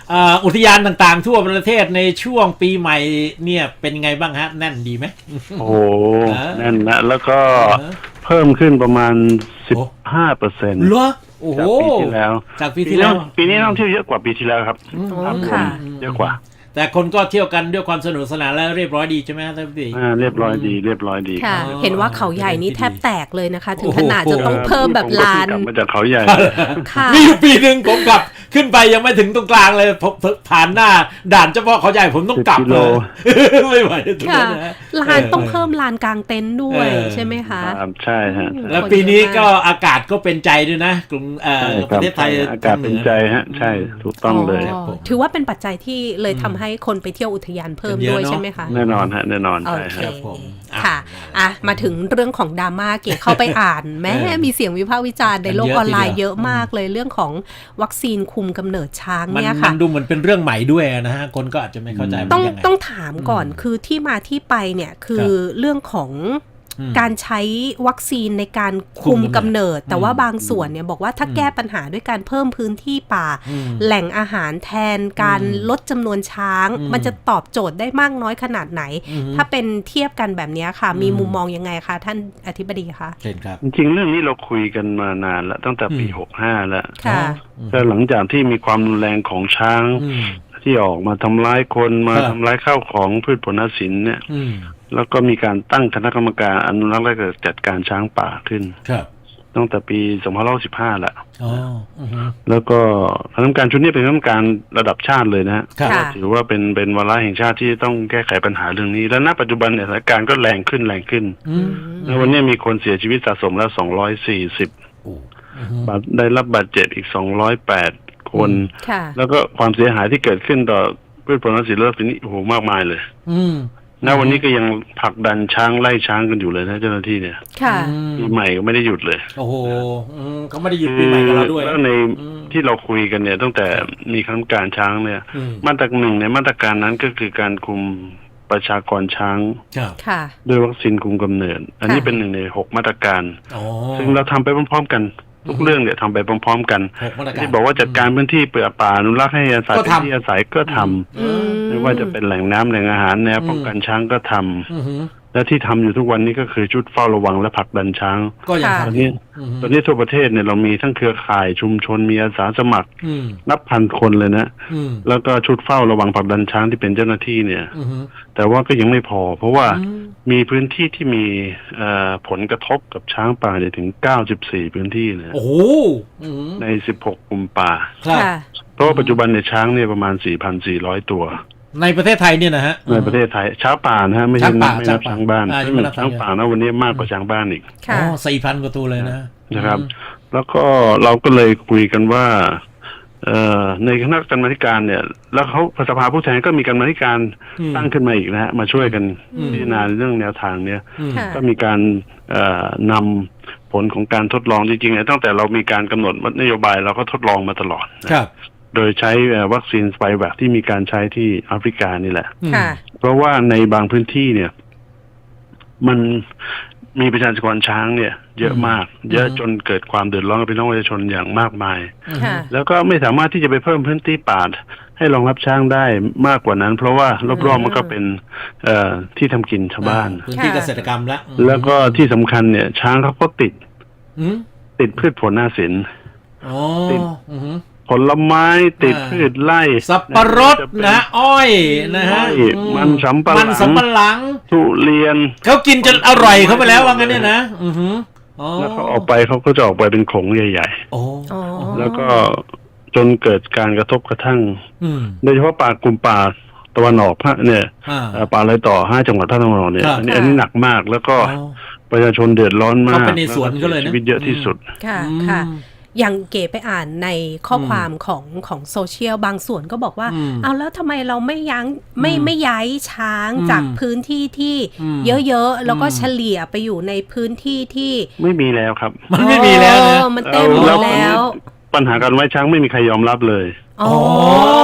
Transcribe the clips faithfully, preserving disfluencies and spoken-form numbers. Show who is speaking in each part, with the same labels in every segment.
Speaker 1: อุทยานต่างๆทั่วประเทศในช่วงปีใหม่เนี่ยเป็นไงบ้างฮะแน่นดีไหม
Speaker 2: โอ้โหแน่นนะแล้วก็เพิ่มขึ้นประมาณสิบห้าเปอร์เซ็นต์
Speaker 1: เหรอโอ้โห
Speaker 2: จากปีที่แล้ว
Speaker 1: จากปีที่แล้ว
Speaker 2: ปีนี้ท่องเที่ยวเยอะกว่าปีที่แล้วครับภาพรวมเยอะกว่า
Speaker 1: แต่คนก็เที่ยวกันด้วยความสนุกสนานและเรียบร้อยดีใช่ไหมท่านพี่
Speaker 2: อ่าเรียบร้อยดีเรียบร้อยดี
Speaker 3: ค่ะเห็นว่าเขาใหญ่นี้แทบแตกเลยนะคะถึงขนาดจะต้องเพิ่มแบบลาน
Speaker 2: มาจากเขาใหญ่
Speaker 1: มีอยู่ปีหนึ่งผมกลับขึ้นไปยังไม่ถึงตรงกลางเลยผมผ่านหน้าด่านเฉพาะเขาใหญ่ผมต้องกลับเลยไม่ไหวตรงนั้นนะ
Speaker 3: ลานต้องเพิ่มลานกลางเต็นท์ด้วยใช่ไหมคะ
Speaker 2: ใช่ฮะ
Speaker 1: แล้วปีนี้ก็อากาศก็เป็นใจด้วยนะกรุงประเทศไทย
Speaker 2: อากาศเป็นใจฮะใช่ถูกต้องเลย
Speaker 3: ถือว่าเป็นปัจจัยที่เลยทำให้คนไปเที่ยวอุทยานเพิ่มด้วยใช่ไหมคะ
Speaker 2: แน่นอนฮะแน่นอนใช่
Speaker 3: ครับผมค่ะอ่ะมาถึงเรื่องของดราม่าเก๋เข้าไปอ่านแม้มีเสียงวิพากษ์วิจารณ์ในโลกออนไลน์เยอะมากเลยเรื่องของวัคซีนคุมกำเนิดช้างเนี่ยค่ะ
Speaker 1: มันดูเหมือนเป็นเรื่องใหม่ด้วยนะฮะคนก็อาจจะไม่เข้าใจ
Speaker 3: ต้องต้องถามก่อนคือที่มาที่ไปเนี่ยคือเรื่องของการใช้วัคซีนในการคุมกำเนิดแต่ว่าบางส่วนเนี่ยบอกว่าถ้าแก้ปัญหาด้วยการเพิ่มพื้นที่ป่าแหล่งอาหารแทนการลดจำนวนช้างมันจะตอบโจทย์ได้มากน้อยขนาดไหนถ้าเป็นเทียบกันแบบนี้ค่ะมีมุมมองยังไงคะท่านอธิบดีคะ
Speaker 1: เช่นครับ
Speaker 2: จริงๆเรื่องนี้เราคุยกันมานานแล้วตั้งแต่ปีหกสิบห้าแล้วแต่หลังจากที่มีความรุนแรงของช้างที่ออกมาทำร้ายคนมาทำร้ายข้าวของพืชผลนาสินเนี่ยแล้วก็มีการตั้งคณะกรรมการอนุรักษ์และจัดการช้างป่าขึ้นตั้งแต่ปีสองพันห้าร้อยสิบห้าแหละแล้วก็คณะกรรมการชุดนี้เป็นคณะกรรมการระดับชาติเลยนะถือว่าเป็นเป็นวาระแห่งชาติที่ต้องแก้ไขปัญหาเรื่องนี้และณปัจจุบันเนี่ยสถานการณ์ก็แรงขึ้นแรงขึ้นแล้ววันนี้มีคนเสียชีวิตสะสมแล้วสองร้อยสี่สิบได้รับบาดเจ็บอีกสองร้อยแปดคนแล้วก็ความเสียหายที่เกิดขึ้นต่อพืชผลนาสินและสิ่งนี้โอ้โหมากมายเลยณวันนี้ก็ยังผลักดันช้างไล่ช้างกันอยู่เลยนะเจ้าหน้าที่เนี่ยปีใหม่ก็ไม่ได้หยุดเลย
Speaker 1: โอ้โหเขาไม่ได้หยุดปีใหม่กับเราด้วย
Speaker 2: แล้วในที่เราคุยกันเนี่ยตั้งแต่มีคณะกรรมการช้างเนี่ยมาตราหนึ่งในมาตรการนั้นก็คือการคุมประชากรช้างด้วยวัคซีนคุมกำเนิดอันนี้เป็นหนึ่งในหกมาตรการซึ่งเราทำไปพร้อมๆกันทุกเรื่องเนี่ยทำไปพร้อมๆกันที่บอกว่าจัดการพื้นที่เปลือกป่าอนุรักษ์ให้อาศัยเป็นที่อาศัยก็ทำไม่ว่าจะเป็นแหล่งน้ำแหล่งอาหารแนวป้องกันช้างก็ทำและที่ทำอยู่ทุกวันนี้ก็คือชุดเฝ้าระวังและผลักดันช้าง
Speaker 1: ก็อย่าง
Speaker 2: ตอนนี้ตอนนี้ทั่วประเทศเนี่ยเรามีทั้งเครือข่ายชุมชนมีอาสาสมัครนับพันคนเลยนะแล้วก็ชุดเฝ้าระวังผลักดันช้างที่เป็นเจ้าหน้าที่เนี่ยแต่ว่าก็ยังไม่พอเพราะว่ามีพื้นที่ที่มีผลกระทบกับช้างป่าเนี่ยถึงเก้าสิบสี่พื้นที่นะ
Speaker 1: โอ้โห
Speaker 2: ในสิบหกกลุ่มป่าเพราะปัจจุบันเนี่ยช้างเนี่ยประมาณ สี่พันสี่ร้อย ตัว
Speaker 1: ในประเทศไทยเนี่ยนะฮะ
Speaker 2: ในประเทศไทยช้างป่านะฮะไม่ใช่ไม่นับช้างบ้านไม่นับช้างป่านะวันนี้มากกว่าช้างบ้านอีก
Speaker 1: อ๋อ สี่พัน กว่าตัวเลยนะ
Speaker 2: นะครับแล้วก็เราก็เลยคุยกันว่าเอ่อในคณะกรรมาธิการเนี่ยแล้วเขาสภาผู้แทนก็มีกรรมาธิการตั้งขึ้นมาอีกนะฮะมาช่วยกันพิจารณาเรื่องแนวทางเนี่ยก็มีการเอ่อนำผลของการทดลองจริงๆตั้งแต่เรามีการกำหนดนโยบายเราก็ทดลองมาตลอด
Speaker 1: ครับ
Speaker 2: โดยใช้วัคซีนสไปแวคที่มีการใช้ที่แอฟริกานี่แหละเพราะว่าในบางพื้นที่เนี่ยมันมีประชากรช้างเนี่ยเยอะมากเยอะจนเกิดความเดือดร้อนกับพี่น้องประชาชนอย่างมากมายแล้วก็ไม่สามารถที่จะไปเพิ่มพื้นที่ป่าให้รองรับช้างได้มากกว่านั้นเพราะว่ารอบๆมันก็เป็นที่ทำกินชาวบ้าน
Speaker 1: พื้นที่เกษตรกรรมแล้ว
Speaker 2: แล้วก็ที่สำคัญเนี่ยช้างเขาก็ติดติดพืชผลนาสินติดผลไม้ติดพืชไร่
Speaker 1: สับปะรดนะอ้อยนะฮะ
Speaker 2: มันสำปะหลัง
Speaker 1: มันสำปะหลัง
Speaker 2: ทุเรียน
Speaker 1: เขากินจนอร่อยเข้าไปแล้วว่างั้นเนี่ยนะ
Speaker 2: แล้วเขาออกไปเขาก็จะออกไปเป็นขงใหญ่ๆแล้วก็จนเกิดการกระทบกระทั่งโดยเฉพาะป่ากลุ่มป่าตะวันออกภาคเนี่ยป่าเลยต่อห้าจังหวัดภาคตะวันออกเนี่ยอันนี้อันนี้หนักมากแล้วก็ประชาชนเดือดร้อนมาก
Speaker 1: เป็นในสวนก็เลยนะ
Speaker 2: ชีวิตเยอะที่สุด
Speaker 3: ค่ะค่ะอย่างเก๋ไปอ่านในข้อความของของโซเชียลบางส่วนก็บอกว่าเอาแล้วทำไมเราไม่ยั้งไม่ไม่ย้ายช้างจากพื้นที่ที่เยอะๆแล้วก็เฉลี่ยไปอยู่ในพื้นที่ที่
Speaker 2: ไม่มีแล้วครับ
Speaker 1: มันไม่มีแล้วนะ
Speaker 3: มันเต็มหมดแล้ว
Speaker 2: ปัญหาการไว้ช้างไม่มีใครยอมรับเลย
Speaker 3: อ๋อ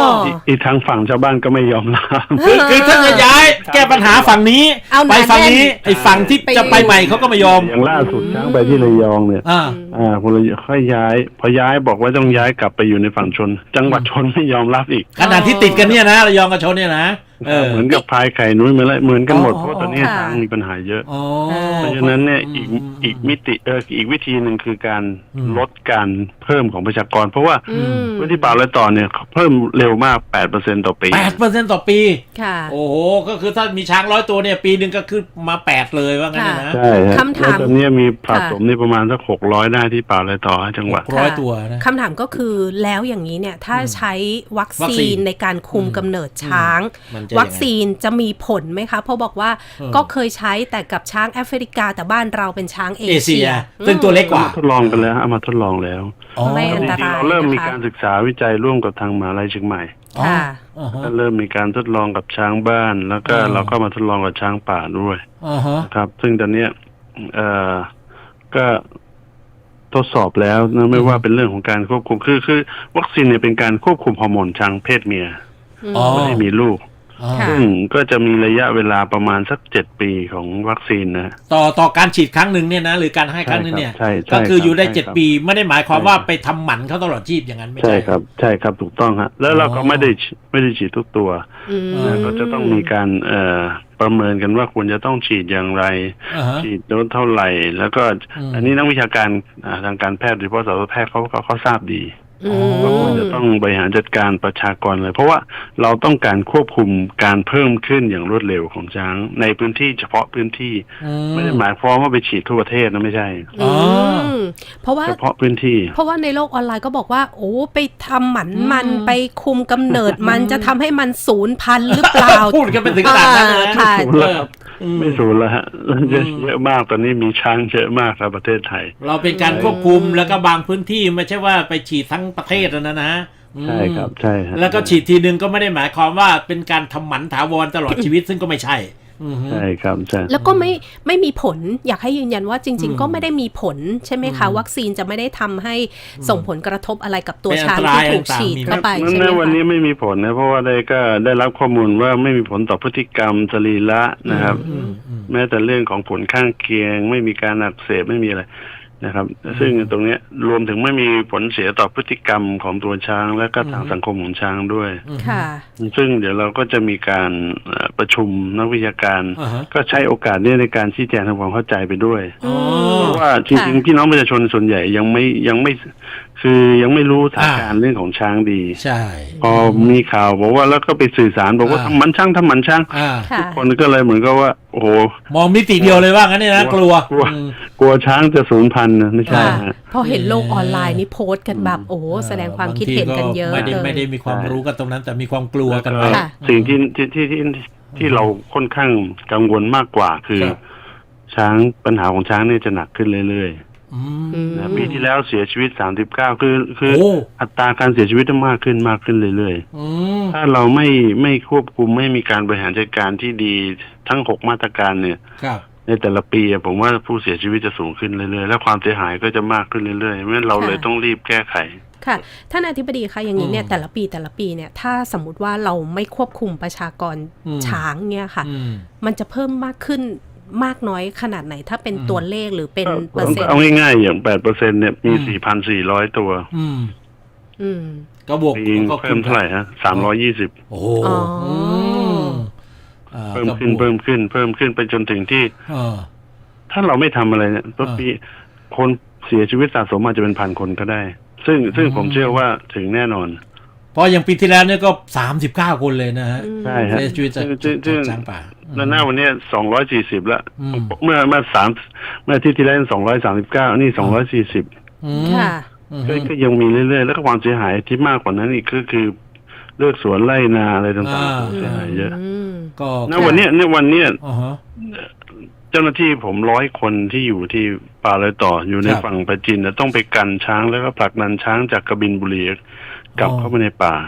Speaker 2: อีกทางฝั่งชาวบ้านก็ไม่ยอมรับ
Speaker 1: คือคือถ้าจะย้ายแก้ปัญหาฝั่งนี้
Speaker 3: เอาห
Speaker 1: ไป
Speaker 3: นา
Speaker 1: ฝั่ง
Speaker 3: แน่น
Speaker 1: นี้ไอ้ฝั่งที่
Speaker 3: ไป
Speaker 1: จะไปใหม่เขาก็ไม่ยอม
Speaker 2: อย่างล่าสุดช้างไปที่ระยองเนี่ย
Speaker 1: อ่า
Speaker 2: อ่าคนระยองค่อยย้าย พอย้ายบอกว่าต้องย้ายกลับไปอยู่ในฝั่งชน จังหวัดชนไม่ยอมรับอีก
Speaker 1: ขนาดที่ติดกันเนี่ยนะระยองกับชนเนี่ยนะเออ
Speaker 2: เหมือนกับพายไข่นุ้ยเหมือนเหมือนกันหมด
Speaker 1: อ๋อ
Speaker 2: เพราะตอนนี้
Speaker 3: ค่ะ
Speaker 2: ช้างมีปัญหาเยอะ
Speaker 1: อ๋อ
Speaker 2: เพราะฉะนั้นเนี่ยอีก
Speaker 1: ม
Speaker 2: อีกมิติเอออีกวิธีหนึ่งคือการ
Speaker 1: อืม
Speaker 2: ลดการเพิ่มของประชากร เพราะว่า
Speaker 3: อืม
Speaker 2: พื้นที่ป่าและต่อเนี่ยเพิ่มเร็วมาก แปดเปอร์เซ็นต์ ต่อปี
Speaker 1: แปดเปอร์เซ็นต์ต่อปี
Speaker 3: ค่ะ
Speaker 1: โอ้โหก็คือถ้ามีช้างร้อยตัวเนี่ยปีหนึ่งก็คือมาแปดเลยว่างั้นนะ
Speaker 2: ใช่ฮะ
Speaker 3: คำถาม
Speaker 2: แล้วตอนนี้มีผสม
Speaker 3: ค่ะ
Speaker 2: นี่ประมาณสักหกร้อยได้ที่ป่าและต่อจังหวัด
Speaker 1: ร้อยตัวนะ
Speaker 3: คำถามก็คือแล้วอย่างนี้เนี่ยถ้าใช้วัค
Speaker 1: วัคซี
Speaker 3: ซีน
Speaker 1: น
Speaker 3: ในการคุม
Speaker 1: อืม
Speaker 3: กำเนิดช้าง
Speaker 1: มันจะยังไง
Speaker 3: วัคซีนจะมีผลไหมคะเพราะบอกว่า
Speaker 1: เออ
Speaker 3: ก็เคยใช้แต่กับช้างแอฟริกาแต่บ้านเราเป็นช้างเอ
Speaker 1: เอเชี
Speaker 3: เชี
Speaker 1: ย
Speaker 3: ย
Speaker 1: ซึ่งตัวเล็กกว่า
Speaker 2: ทดลองกันแล้วเอามาทดลองแล้ว
Speaker 1: อ๋อ
Speaker 3: ไม่อันตราย
Speaker 2: จริงๆเราเริ่มมี
Speaker 3: นะคะ
Speaker 2: การศึกษาวิจัยร่วมกับทางมหาลัยเชียงใหม่
Speaker 3: ค่ะ
Speaker 1: อ๋อฮะ
Speaker 2: ก็เริ่มมีการทดลองกับช้างบ้าน แล้วก็
Speaker 1: อ๋อ
Speaker 2: เราก็มาทดลองกับช้างป่าด้วย
Speaker 1: อ๋อฮะ
Speaker 2: นะครับ ซึ่งตอนเนี้ยเอ่อก็ทดสอบแล้วนะไม่ว่าเป็นเรื่องของการควบคุมคือคือวัคซีนเนี่ยเป็นการควบคุมฮอร์โมนช้างเพศเมีย
Speaker 1: อ๋อ
Speaker 2: ไม่ให้มีลูก
Speaker 1: อ๋อ
Speaker 3: ค่ะ
Speaker 2: ซึ่งก็จะมีระยะเวลาประมาณสักเจ็ดปีของวัคซีนนะ
Speaker 1: ต่อต่อการฉีดครั้งหนึ่งเนี่ยนะหรือการให้ครั้งหนึงเนี่ย
Speaker 2: ใช่ครับใช่
Speaker 1: ก็คืออยู่ได้
Speaker 2: ใช่ครับ
Speaker 1: เจ็ดปีไม่ได้หมายความว่าไปทำหมันเขาตลอดชีพอย่างนั้นไม่
Speaker 2: ใช่
Speaker 1: ใช่
Speaker 2: ครับ ใช่ครับถูกต้องฮะแล้วเราก็
Speaker 1: อ๋อ
Speaker 2: ไม่ได้ไม่ได้ฉีดทุกตัว
Speaker 3: อืม
Speaker 2: นะก็จะต้องมีการเอ่อประเมินกันว่าควรจะต้องฉีดอย่างไร
Speaker 1: อ่าฮะ
Speaker 2: ฉีดโดสเท่าไหร่ แล้วก็
Speaker 1: อืม
Speaker 2: อันนี้นักวิชาการอ่าทางการแพทย์โดยเฉพาะสัตวแพทย์เขาเขาเขาทราบดี
Speaker 3: อื
Speaker 2: ว่าควร
Speaker 3: ม
Speaker 2: จะต้องบริหารจัดการประชากรเลย เพราะว่าเราต้องการควบคุมการเพิ่มขึ้นอย่างรวดเร็วของช้างในพื้นที่เฉพาะพื้นที่
Speaker 1: อื
Speaker 2: ไม่ได้หมายความว่าไปฉีดทั่วประเทศนะไม่ใช่
Speaker 1: อ๋อ
Speaker 3: มเพราะว่า
Speaker 2: เฉพาะพื้นที่
Speaker 3: เพราะว่าในโลกออนไลน์ก็บอกว่า โอ้ไปทำหมันมัน
Speaker 1: อืม
Speaker 3: ไปคุมกำเนิดมันจะทำให้มันสูญพันธุ์หรือเปล่า
Speaker 1: พูดกันไปถึงขนาดนั้นเลยนะ
Speaker 3: อ่าค่ะ
Speaker 2: สูญแล้วครับ
Speaker 1: อืม
Speaker 2: ไม่สูญแล้วฮะเยอะ
Speaker 1: อืม
Speaker 2: เยอะมากตอนนี้มีช้างเยอะมากในประเทศไทย
Speaker 1: เราเป็นการควบคุมแล้วก็บางพื้นที่ไม่ใช่ว่าไปฉีดทั้งประเทศนะนะอืม
Speaker 2: ใช่ครับใช่ฮะ
Speaker 1: แล้วก็ฉีดทีนึงก็ไม่ได้หมายความว่าเป็นการทำหมันถาวรตลอดชีวิตซึ่งก็ไม่ใช่อือฮึ
Speaker 2: ใช่ครับใช่
Speaker 3: แล้วก็ไม่ไม่มีผลอยากให้ยืนยันว่าจริง
Speaker 1: อืม
Speaker 3: ๆ ก็ไม่ได้มีผลใช่ไหมคะ วัคซีนจะไม่ได้ทำให้ส่งผลกระทบอะไรกับตัว
Speaker 1: เป็นอัน
Speaker 3: ช้าง
Speaker 1: ตราย
Speaker 3: ที่ถูก
Speaker 1: ต่างๆ
Speaker 3: ฉีด
Speaker 1: มี
Speaker 3: เข้าไป
Speaker 2: นั่น
Speaker 3: ใช่ไหม
Speaker 2: นะวัน
Speaker 3: คะ
Speaker 2: นี้ไม่มีผลนะเพราะว่าได้ก็ได้รับข้อมูลว่าไม่มีผลต่อพฤติกรรมสรีระนะครับ
Speaker 1: อืมอืม
Speaker 2: แม้แต่เรื่องของผลข้างเคียง ไม่มีการอักเสบไม่มีอะไรนะครับ ซึ่งตรงเนี้ยรวมถึงไม่มีผลเสียต่อพฤติกรรมของตัวช้าง และก็ทางสังคมของช้างด้วย
Speaker 3: ค่ะ
Speaker 2: ซึ่งเดี๋ยวเราก็จะมีการเอ่อประชุมนักวิชาการ
Speaker 1: อ่าฮะ
Speaker 2: ก็ใช้โอกาสเนี้ในการชี้แจงทำความเข้าใจไปด้วย
Speaker 1: อ๋อ
Speaker 2: เพราะว่าจริงๆพี่น้องประชาชนส่วนใหญ่ยังไม่ยังไม่คือยังไม่รู้สถานการณ์เรื่องของช้างดี
Speaker 1: ใช่
Speaker 2: พอมีข่าวบอกว่าแล้วก็ไปสื่อสารบอกว่า
Speaker 1: อ่า
Speaker 2: ทำหมันช้างทำหมันช้าง
Speaker 1: อ่า
Speaker 3: ค่ะ
Speaker 2: คนก็เลยเหมือนกับว่าโอ้โห
Speaker 1: มองมิติเดียวเลยว่างั้นเนี่ยนะกลัว
Speaker 2: กลัว
Speaker 1: อืม
Speaker 2: กลัวช้างจะสูญพันธุ์นะไม่ใช่
Speaker 3: ค่ะ
Speaker 2: ฮะ
Speaker 3: พอเห็นโลกออนไลน์นี่โพสต์กันแบบโอ้โหแสดงความคิดเห็นกันเยอะ
Speaker 1: ไม่ได้
Speaker 3: เลย
Speaker 1: ไม่ได้มีความรู้กันตรงนั้น แต่มีความกลัวกัน
Speaker 2: แล้ว
Speaker 1: ไป
Speaker 3: ค่ะ
Speaker 2: สิ่งที่ที่ที่ที่ที่เราค่อนข้างกังวลมากกว่าคือ
Speaker 1: ครับ
Speaker 2: ช้างปัญหาของช้างเนี่ยจะหนักขึ้นเรื่อย
Speaker 1: อืม
Speaker 3: อืม
Speaker 2: ๆนะปีที่แล้วเสียชีวิตสามสิบเก้าคือคือ
Speaker 1: โอ้
Speaker 2: อัตราการเสียชีวิตมากขึ้นมากขึ้นเรื่อยๆ
Speaker 1: อืม
Speaker 2: ถ้าเราไม่ไม่ควบคุมไม่มีการบริหารจัดการที่ดีทั้งหกมาตรการเนี่ย
Speaker 1: ครับ
Speaker 2: ในแต่ละปีอะผมว่าผู้เสียชีวิตจะสูงขึ้นเรื่อยๆและความเสียหายก็จะมากขึ้นเรื่อยๆเพราะฉะนั้นเราเลยต้องรีบแก้ไข
Speaker 3: ค่ะท่านอธิบดีคะอย่างนี้เนี่ย
Speaker 1: อืม
Speaker 3: แต่ละปีแต่ละปีเนี่ยถ้าสมมุติว่าเราไม่ควบคุมประชากร
Speaker 1: อืม
Speaker 3: ช้างเนี่ยค่ะ
Speaker 1: อืม
Speaker 3: มันจะเพิ่มมากขึ้นมากน้อยขนาดไหนถ้าเป็น
Speaker 1: อืม
Speaker 3: ตัวเลขหรือเป็นเปอร์เซ็นต์
Speaker 2: เอาง่ายๆอย่างแปดเปอร์เซ็นต์เนี่ยมี
Speaker 1: อืม
Speaker 2: สี่พันสี่ร้อยตัว
Speaker 1: อืม
Speaker 3: อืม
Speaker 1: ก็บวก
Speaker 2: ปี
Speaker 1: ก็
Speaker 2: เพิ่มเท่าไหร่ฮะสามร้อยยี่สิบ
Speaker 1: โอ้โห
Speaker 3: อ๋ออื
Speaker 1: มอ่า
Speaker 2: เพิ่มขึ้น
Speaker 1: ก็บวก
Speaker 2: เพิ่มขึ้นเพิ่มขึ้นไปจนถึงที่
Speaker 1: เออ
Speaker 2: ถ้าเราไม่ทำอะไรเนี่ยต้นปีคนเสียชีวิตสะสมอาจจะเป็นพันคนก็ได้ ซึ่งซึ่ง
Speaker 1: อืม
Speaker 2: ผมเชื่อว่าถึงแน่นอน
Speaker 1: เพราะอย่างปีที่แล้วเนี่ยก็สามสิบเก้าคนเลยนะฮะ
Speaker 2: ใช่ฮะ
Speaker 1: เสียชีวิตจาก
Speaker 2: ซึ่งซึ่ง
Speaker 1: จากช้างป่า
Speaker 2: แล้วหน้าวันเนี้สองร้อยสี่สิบแล้ว
Speaker 1: อืม
Speaker 2: เมื่อเมื่อสามเมื่ออาที่ที่แล้วสองร้อยสามสิบเก้านี่สองร้อยสี่สิบ
Speaker 1: อืม
Speaker 3: ค่ะ
Speaker 1: อืม
Speaker 2: ก็ก็ยังมีเรื่อยๆแล้วก็ความเสียหายที่มากกว่านั้นอีกก็คือเลือกสวนไร่นาอะไรต่าง
Speaker 1: อ่า
Speaker 2: ๆเสียหายเยอะ
Speaker 3: ม
Speaker 1: ก็
Speaker 2: ณวันเนี้ยเนี่ยวันเนี้ย
Speaker 1: อ๋อฮะ
Speaker 2: เจ้าหน้าที่ผมร้อยคนที่อยู่ที่ป่าเลยต่ออยู่ใน
Speaker 1: ครับ
Speaker 2: ฝั่งประจินนะต้องไปกันช้างแล้วก็ผลักดันช้างจากกบินบุรีกลับ
Speaker 1: อ๋อ
Speaker 2: เข้ามาในป่า
Speaker 1: ซ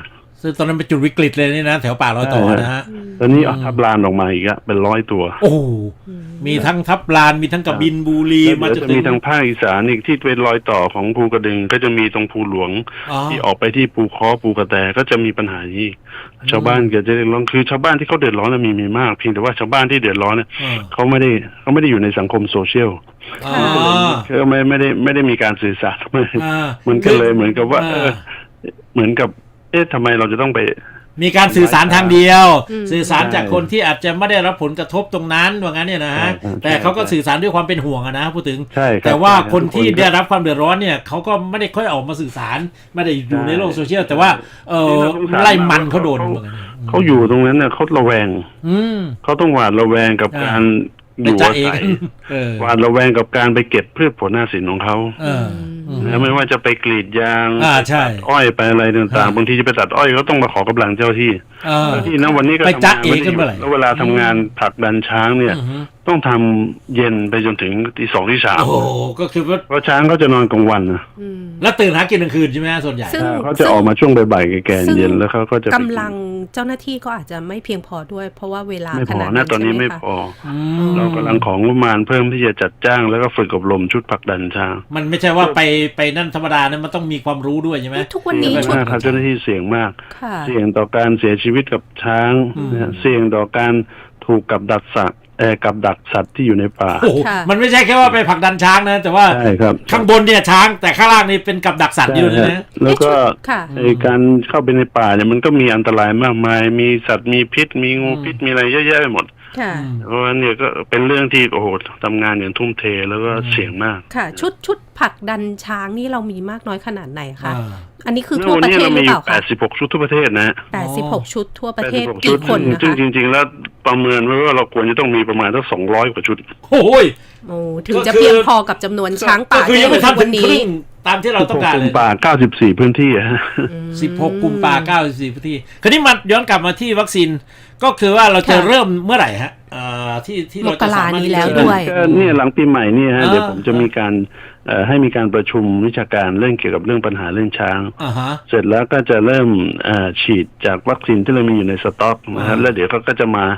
Speaker 1: ซึ่งตอนนั้นเป็นจุดวิกฤตเลยนี่นะแถวป่ารอยต่อนะฮะ
Speaker 2: ตอนนี้เอาทับลานออกมาอีกอะเป็นร้อยตัว
Speaker 1: โอ้มีทั้งทับลานมีทั้งกบินบุรี
Speaker 2: มันจะมีทางภาคอีสานอีกที่เป็นรอยต่อของภูกระดึงก็จะมีตรงภูหลวงที่ออกไปที่ภูค้อภูกระแตก็จะมีปัญหานี้ชาวบ้านก็จะเดือดร้อนคือชาวบ้านที่เขาเดือดร้อนมีมีมากเพียงแต่ว่าชาวบ้านที่เดือดร้อนเนี่ยเขาไม่ได้เขาไม่ได้อยู่ในสังคมโซเชียลเขาไม่ไม่ได้ไม่ได้มีการสื่อสารมันก็เลยเหมือนกับว่าเหมือนกับเอ๊ะทำไมเราจะต้องไป
Speaker 1: มีการสื่อสารทางเดียวสื่อสารจากคนที่อาจจะไม่ได้รับผลกระทบตรงนั้นว่างั้นเนี่ยนะฮะแต่เขาก็สื่อสารด้วยความเป็นห่วงนะพูดถึงแต่ว่าคนที่ได้รับความเดือดร้อนเนี่ยเขาก็ไม่ได้ค่อยออกมาสื่อสารไม่ได้อยู่ในโลกโซเชียลแต่ว่าเออไล่มันเขาโดน
Speaker 2: เขาอยู่ตรงนั้นเนี่ยเขาระแวงเขาต้องหวาดระแวงกับการอยู่อาศัยหวาดระแวงกับการไปเก็บพืชผลหน้าสินของเขาไม่ว่าจะไปกรีดยางอ้อยไปอะไรต่างๆบางทีจะไปตัดอ้อยก็ต้องมาขอกำลังเจ้าที่ที่นะวันนี้ก็ทำงานไม่ได้แล้วเวลาทำงานผลักดันช้างเนี่ยต้องทำเย็นไปจนถึงตีสองที่สาม
Speaker 1: โอ้ก็คือ
Speaker 2: เพราะช้างเขาจะนอนกลางวันนะ
Speaker 1: แล้วตื่นหากินกลางคืนใช่ไหมส่วนใหญ่
Speaker 2: เขาจะออกมาช่วงบ่ายๆแก่ๆเย็นแล้วเขาก็จะ
Speaker 3: กำลังเจ้าหน้าที่ก็อาจจะไม่เพียงพอด้วยเพราะว่าเวลา
Speaker 2: ขนาดนั้นตอนนี้ไม่พอเรากำลังของงบประมาณเพิ่มที่จะจัดจ้างแล้วก็ฝึกอบรมชุดผลักดันช้าง
Speaker 1: มันไม่ใช่ว่าไปไปนั่นธรรมดานะมันต้องมีความรู้ด้วยใช่ไหม
Speaker 3: ทุกวันนี้
Speaker 2: ชุดเจ้าหน้าที่เสี่ยงมากเสี่ยงต่อการเสียชีวิตกับช้างเสี่ยงต่อการถูกกับดักสัตว์เอ่อกับดักสัตว์ที่อยู่ในป่า
Speaker 1: มันไม่ใช่แค่ว่าไปผลักดันช้างนะแต่ว่าข้างบนเนี่ยช้างแต่ข้างล่างนี่เป็นกับดักสัตว์อยู่นะ
Speaker 2: แล้วก็ไอ้การเข้าไปในป่าเนี่ยมันก็มีอันตรายมากมายมีสัตว์มีพิษมีงูพิษมีอะไรเยอะแยะไปหมดเพราะฉะนั้นเนี่ยก็เป็นเรื่องที่โอ้โหทำงานอย่างทุ่มเทแล้วก็เสี่ยงมาก
Speaker 3: ค่ะชุดชุดผลักดันช้างนี่เรามีมากน้อยขนาดไหนคะอันนี้คือทั่วประเทศหรือเปล่าคะ
Speaker 2: แปดสิบหกชุดทั่วประเทศนะ
Speaker 3: แปดสิบหกชุดทั่วประเทศกี่คนนะคะ
Speaker 2: ซึ่งจริงๆแล้วประเมินไว้ว่าเราควรจะต้องมีประมาณสักสองร้อยกว่าชุด
Speaker 1: โอ้ย
Speaker 3: โอ้ถึงจะเพียงพอกับจำนวนช้างป่า
Speaker 1: คือยังไม่ทันวันนี้ตามที่เราต้องการเลย
Speaker 2: กุมป่าเก้าสิบสี่พื้นที่ฮะ
Speaker 1: สิบหกกุมป่าเก้าสิบสี่พื้นที่คราวนี้มาย้อนกลับมาที่วัคซีนก็คือว่าเราจะเริ่มเมื่อไหร่ฮะที่ที่เราจะสามารถ
Speaker 3: นี้แล้วด้วย
Speaker 2: ก็เนี่ยหลังปีใหม่นี่ฮะเดี๋ยวผมจะมีการให้มีการประชุมวิชาการเรื่องเกี่ยวกับเรื่องปัญหาเรื่องช้างเสร็จแล้วก็จะเริ่มฉีดจากวัคซีนที่เรามีอยู่ในสต็อกนะครับแล้วเดี๋ยวเขาก็จะมา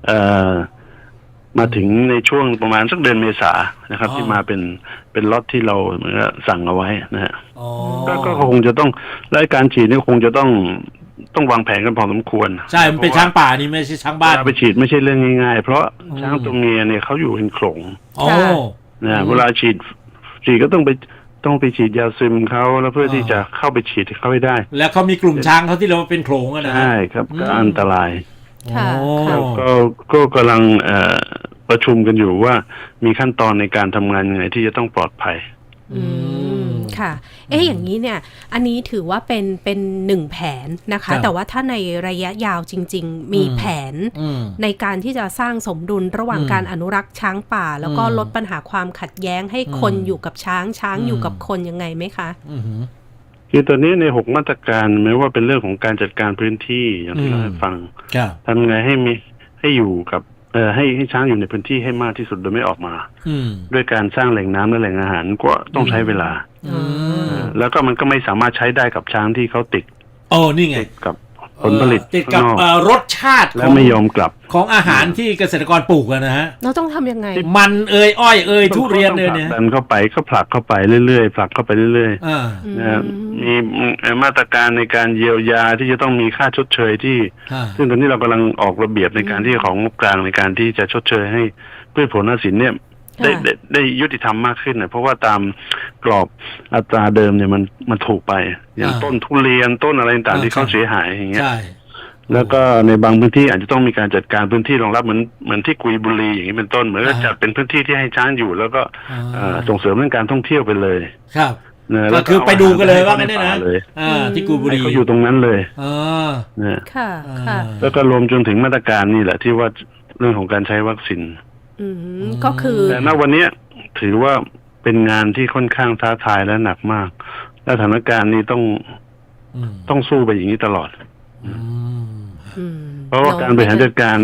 Speaker 2: มาถึงในช่วงประมาณสักเดือนเมษานะครับที่มาเป็นเป็นล็อตที่เราเหมือนสั่งเอาไว้นะฮะก็คงจะต้องและการฉีดนี่คงจะต้องต้องวางแผนกันพอสมควร
Speaker 1: ใช่มันเป็นช้างป่านี่ไม่ใช่ช้างบ้าน
Speaker 2: ไปฉีดไม่ใช่เรื่องง่ายๆเพราะช้างตัวเมียเนี่ยเขาอยู่เป็นโขลงนะเวลาฉีดฉีดก็ต้องไปต้องไปฉีดยาซึมเขาแล้วเพื่อที่จะเข้าไปฉีดเขาให้ได้
Speaker 1: แล้วเขามีกลุ่มช้างเขาที่เราเป็นโขลงนะ
Speaker 2: ใช่ครับก็อันตรายก็ก็กำลังประชุมกันอยู่ว่ามีขั้นตอนในการทำงานยังไงที่จะต้องปลอดภัย
Speaker 3: อืมค่ะเอ๊ะอย่างนี้เนี่ยอันนี้ถือว่าเป็นเป็นหนึ่งแผนนะคะแต่ว่าถ้าในระยะยาวจริงๆมีแผนในการที่จะสร้างสมดุลระหว่างการอนุรักษ์ช้างป่าแล้วก็ลดปัญหาความขัดแย้งให้คนอยู่กับช้างช้างอยู่กับคนยังไงไหมคะ
Speaker 2: คือตอนนี้ในหกมาตรการแม้ว่าเป็นเรื่องของการจัดการพื้นที่อย่างที่เราให้ฟังทำไงให้มีให้อยู่กับเอ่อให้ให้ช้างอยู่ในพื้นที่ให้มากที่สุดโดยไม่ออกมาด้วยการสร้างแหล่งน้ำและแหล่งอาหารก็ต้องใช้เวลาแล้วก็มันก็ไม่สามารถใช้ได้กับช้างที่เขาติด
Speaker 1: โอ้นี่ไง
Speaker 2: กับผลผลิต
Speaker 1: ติดกับรสชาติ
Speaker 2: และไม่ยอมกลับ
Speaker 1: ของอาหารที่เกษตรกรปลูกนะฮะ
Speaker 3: เราต้องทำยังไง
Speaker 1: มันเอ่ยอ้อยเอ่ยทุเรียนเลยเนี่ย
Speaker 2: ดันเข้าไปก็ผลักเข้าไปเรื่อยๆผลักเข้าไปเรื่อยๆนะมีมาตรการในการเยียวยาที่จะต้องมีค่าชดเชยที่ซึ่งตอนนี้เรากำลังออกระเบียบในการที่ของงบกลางในการที่จะชดเชยให้พืชผลหน้าสินเนี่ยได้ได้ได้ยุติธรรมมากขึ้นนะเพราะว่าตามกรอบอัตราเดิมเนี่ยมันมันถูกไปอย่างต้นทุเรียนต้นอะไรต่างๆที่เขาเสียหายอย่างเงี้ยแล้วก็ในบางพื้นที่อาจจะต้องมีการจัดการพื้นที่รองรับเหมือนเหมือนที่กุยบุรีอย่างนี้เป็นต้นเหมือนกับจัดเป็นพื้นที่ที่ให้ช้างอยู่แล้วก็ส่งเสริมเรื่องการท่องเที่ยวไปเลย
Speaker 1: ครับก็คือไปดูกันเลยว่างั้นนะที่กุยบุรี
Speaker 2: เขาอยู่ตรงนั้นเลย
Speaker 3: นะค่ะค่ะ
Speaker 2: แล้วก็รวมจนถึงมาตรการนี่แหละที่ว่าเรื่องของการใช้วัคซีน
Speaker 3: ก็คือ
Speaker 2: แต่ณวันนี้ถือว่าเป็นงานที่ค่อนข้างท้าทายและหนักมากและสถานการณ์นี้ต้องต้องสู้ไปอย่างนี้ตลอดเพราะว่าการบริหารจัดการ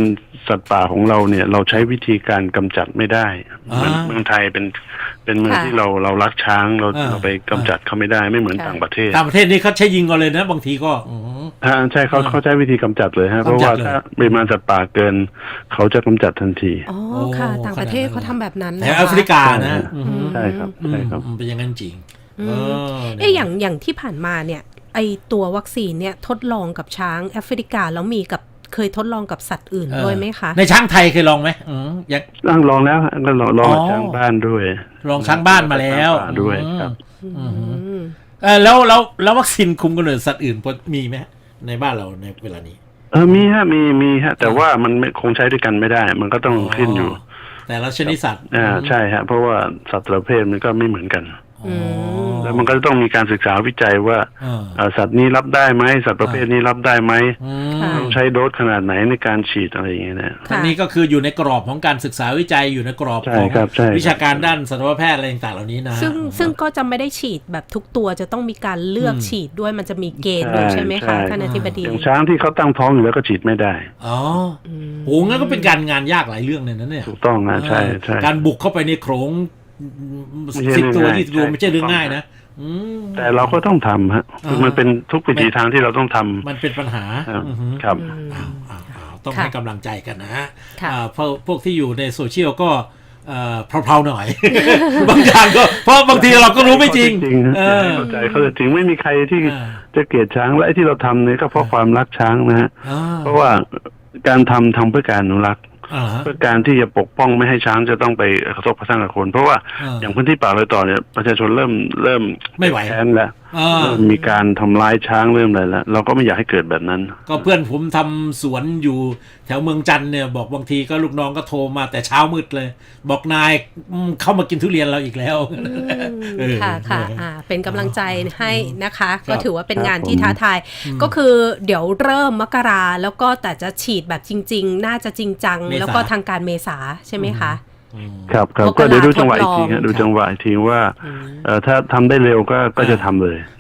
Speaker 2: สัตว์ป่าของเราเนี่ยเราใช้วิธีการกำจัดไม่ได้เหมือนเมืองไทยเป็นเป็นเมืองที่เราเรารักช้างเราเราไปกำจัดเขาไม่ได้ไม่เหมือนต่างประเทศ
Speaker 1: ต่างประเทศนี่เขาใช้ยิงกันเลยนะบางทีก็
Speaker 2: อ่าใช่เขาเขาใช้วิธีกำจัดเลยฮะเพราะว่าถ้าปริมาณสัตว์ป่าเกินเขาจะกำจัดทันที
Speaker 3: อ๋อค่ะต่างประเทศเขาทำแบบนั้น
Speaker 1: ในแอฟริกานะ
Speaker 2: ใช่ครับใช่ครับ
Speaker 1: เป็นอย่างนั้นจริง
Speaker 3: เอออย่างอย่างที่ผ่านมาเนี่ยไอตัววัคซีนเนี่ยทดลองกับช้างแอฟริกาแล้วมีกับเคยทดลองกับสัตว์อื่นด้วยไหมคะ
Speaker 1: ในช้างไทยเคยลองไหมอืม
Speaker 2: ยังลองแล้วก็ลองลองช้างบ้านด้วย
Speaker 1: ลองช้างบ้านมาแล้ว
Speaker 2: ด้วยครับ
Speaker 1: เออแล้วแล้วแล้ววัคซีนคุมกำเนิดสัตว์อื่นมีไหมในบ้านเราในเวลานี้
Speaker 2: เออมีฮะมีมีฮะแต่ว่ามันคงใช้ด้วยกันไม่ได้มันก็ต้องขึ้นอยู่
Speaker 1: แต่ละชนิดสัตว์
Speaker 2: อ่าใช่ฮะเพราะว่าสัตว์ประเภทมันก็ไม่เหมือนกันแล้วมันก็ต้องมีการศึกษาวิจัยว่าสัตว์นี้รับได้ไหมสัตว์ประเภทนี้รับได้ไหมต้องใช้โดสขนาดไหนในการฉีดอะไรอย่างเงี้ยนะ
Speaker 1: อันนี้ก็คืออยู่ในกรอบของการศึกษาวิจัยอยู่ในกรอบของวิชาการด้านสัตวแพทย์อะไรต่างๆเหล่านี้นะ
Speaker 3: ซึ่งซึ่งก็จะไม่ได้ฉีดแบบทุกตัวจะต้องมีการเลือกฉีดด้วยมันจะมีเกณฑ์ด้วยใช่ไหมคะท่านอธิบดี
Speaker 2: อย่างช้างที่เขาตั้งท้องอยู่แล้วก็ฉีดไม่ได้
Speaker 1: อ๋อโหงั้นก็เป็นการงานยากหลายเรื่องเลยนะเนี่ย
Speaker 2: ถูกต้องนะใช่ใช่
Speaker 1: การบุกเข้าไปในโขงสิบตัวที่ตัวไม่ใช่เรื่องง่ายนะ
Speaker 2: แต่เราก็ต้องทำฮะมันเป็นทุกวิธีทางที่เราต้องทำ
Speaker 1: มันเป็นปัญหา
Speaker 2: ครับ
Speaker 1: ต้องให้กำลังใจกันนะฮะเพราะพวกที่อยู่ในโซเชียลก็เพลาๆหน่อยบางอย่างก็เพราะบางทีเราก็รู้ไม่จริง
Speaker 2: เข้าใจเขาจริงไม่มีใครที่จะเกลียดช้างและไอ้ที่เราทำเนี่ยก็เพราะความรักช้างนะฮะเพราะว่าการทำทำเพื่อการอนุรักษ์เพื่อการที่จะปกป้องไม่ให้ช้างจะต้องไปกระทบกระทั่งกับคนเพราะว่าอย่างพื้นที่ป่าเลยต่อเนี่ยประชาชนเริ่มเริ่ม
Speaker 1: ไม่ไหว
Speaker 2: แค้นแล้วมีการทำร้ายช้างเริ่มอะไรแล้วเราก็ไม่อยากให้เกิดแบบนั้น
Speaker 1: ก็เพื่อนผมทำสวนอยู่แถวเมืองจันทร์เนี่ยบอกบางทีก็ลูกน้องก็โทรมาแต่เช้ามืดเลยบอกนายเข้ามากินทุเรียนเราอีกแล้ว
Speaker 3: ค่ะค่ะเป็นกำลังใจให้นะคะก็ถือว่าเป็นงานที่ท้าทายก็คือเดี๋ยวเริ่มมกราแล้วก็แต่จะฉีดแบบจริงๆน่าจะจริงจังแล้วก็ทางการเมษาใช่ไหมคะ
Speaker 2: ครับครับก็เดี๋ยวดูจังหวะอีกทีดูจังหวะอีกทีว่าถ้าทำได้เร็วก็ก็จะทำเลย